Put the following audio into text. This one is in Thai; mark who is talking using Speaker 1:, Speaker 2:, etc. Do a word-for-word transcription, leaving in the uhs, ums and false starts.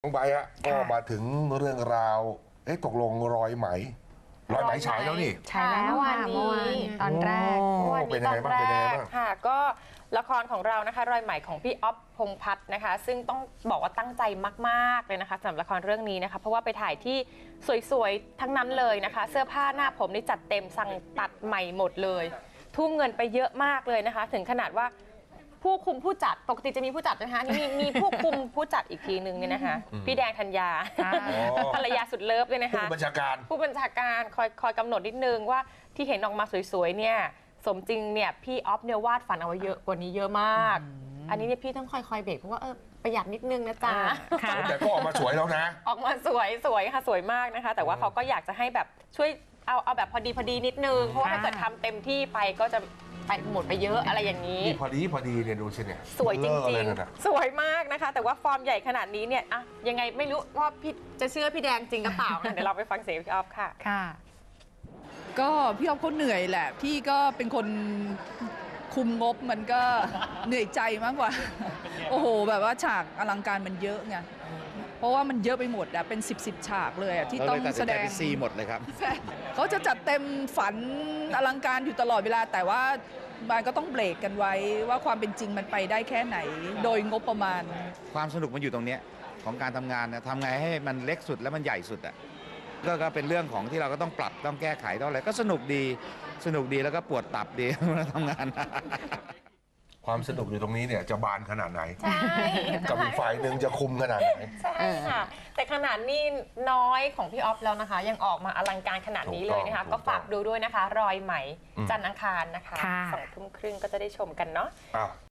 Speaker 1: น้องใบฮะก็มาถึงเรื่องราวเอ๊ะตกลงรอยไหมรอยไหมฉายแล้วนี่
Speaker 2: ฉายแล้ววันนี้ตอนแรก
Speaker 1: วันนี้ตอนแรก
Speaker 3: ค่ะก็ละครของเรานะคะรอยไหมของพี่อ๊อฟพงษ์พัฒน์นะคะซึ่งต้องบอกว่าตั้งใจมากๆเลยนะคะสำหรับละครเรื่องนี้นะคะเพราะว่าไปถ่ายที่สวยๆทั้งนั้นเลยนะคะเสื้อผ้าหน้าผมนี่จัดเต็มสั่งตัดใหม่หมดเลยทุ่มเงินไปเยอะมากเลยนะคะถึงขนาดว่าผู้คุมผู้จัดปกติจะมีผู้จัดนะคะนี่มีผู้คุมผู้จัดอีกทีนึงเนี่ยนะคะพี่แดงธัญญาภรรยาสุดเลิฟเลยนะคะ
Speaker 1: ผู้บัญชาการ
Speaker 3: ผู้บัญชาการคอยคอยกำหนดนิดนึงว่าที่เห็นออกมาสวยๆเนี่ยสมจริงเนี่ยพี่ออฟเนี่ยวาดฝันเอาไว้เยอะกว่านี้เยอะมากอันนี้เนี่ยพี่ต้องคอยคอยเบรกเพราะว่าเออประหยัดนิดนึงนะจ๊ะ
Speaker 1: แต่ก็ออกมาสวยแล้วนะ
Speaker 3: ออกมาสวยสวยค่ะสวยมากนะคะแต่ว่าเขาก็อยากจะให้แบบช่วยเอาเอาแบบพอดีพอดีนิดนึงเพราะว่าถ้าเกิดทำเต็มที่ไปก็จะไปหมดไปเยอะอะไรอย่างนี้
Speaker 1: พอดีพอดีเนี่ยดูสิเนี่ย
Speaker 3: สวยจริงๆสวยมากนะคะแต่ว่าฟอร์มใหญ่ขนาดนี้เนี่ยอะยังไงไม่รู้ว่าพี่จะเชื่อพี่แดงจริงหรือเปล่า เดี๋ยวเราไปฟังเสียงพี่ออฟค่ะ
Speaker 2: ค่ะ
Speaker 4: ก็พี่ออฟเขาเหนื่อยแหละพี่ก็เป็นคนคุมงบมันก็เหนื่อยใจมากกว่าโอ้โหแบบว่าฉากอลังการมันเยอะไงเพราะว่ามันเยอะไปหมดอะเป็นสิบสิบฉากเลยอะที่ต้องแสดง
Speaker 5: ซีหมดเลยครับ
Speaker 4: เขาจะจัดเต็มฝันอลังการอยู่ตลอดเวลาแต่ว่ามันก็ต้องเบรกกันไว้ว่าความเป็นจริงมันไปได้แค่ไหนโดยงบประมาณ
Speaker 5: ความสนุกมันอยู่ตรงนี้ของการทำงานนะทำไงให้มันเล็กสุดแล้วมันใหญ่สุดอ่ะก็ก็เป็นเรื่องของที่เราก็ต้องปรับต้องแก้ไขต้องอะไรก็สนุกดีสนุกดีแล้วก็ปวดตับดีเวลาทำงาน
Speaker 1: ความสนุกอยู่ตรงนี้เนี่ยจะบานขนาดไหนใช่กับอีกฝ่ายหนึ่งจะคุมขนาดไหน
Speaker 3: ใช่ค่ะแต่ขนาดนี้น้อยของพี่ออฟแล้วนะคะยังออกมาอลังการขนาดนี้เลยนะคะก็ฝากดูด้วยนะคะรอยไหมจันทร์อังคารนะคะสองทุ่มครึ่งก็จะได้ชมกันเนาะ